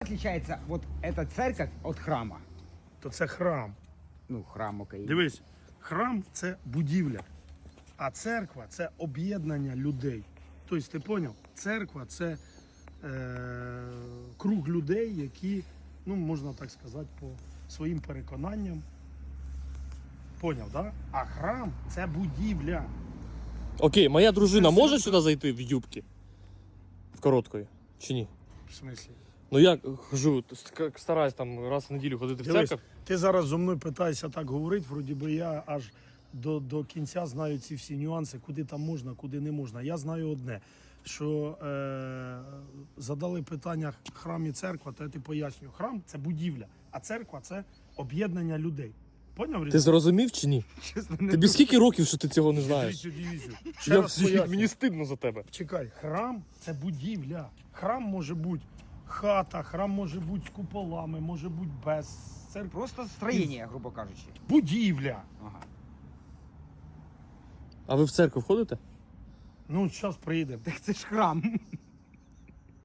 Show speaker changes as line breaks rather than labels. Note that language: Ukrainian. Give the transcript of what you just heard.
отличается вот эта церковь от храма?
То це храм.
Ну, храм, окей.
Дивись, храм це будівля, а церква це об'єднання людей. Тобто, ти зрозумів? Церква це круг людей, які, ну, можна так сказати, по своїм переконанням. Поняв, так? Да? А храм це будівля.
Окей, моя дружина
Це
може
все-
сюди зайти в юбці? В короткої? Чи ні?
В смислі?
Ну я хожу, стараюсь там раз в неділю ходити в
Дивись,
церкву.
ти зараз зо мною питаєшся так говорити, вроді би я аж до кінця знаю ці всі нюанси, куди там можна, куди не можна. Я знаю одне, що задали питання храм і церква, то я ти пояснюю. Храм це будівля, а церква це об'єднання людей. Поняв?
Ти зрозумів чи ні?
Честно, не
Тобі скільки років, що ти цього не знаєш?
Дивізію. Ще раз пояснюю.
Мені стидно за тебе.
Чекай, храм це будівля. Храм може бути хата, храм може бути з куполами, може бути без. Це
Просто строение, грубо кажучи.
будівля.
Ага.
А ви в церкву входите?
Ну, зараз приїдемо.
Так це ж храм.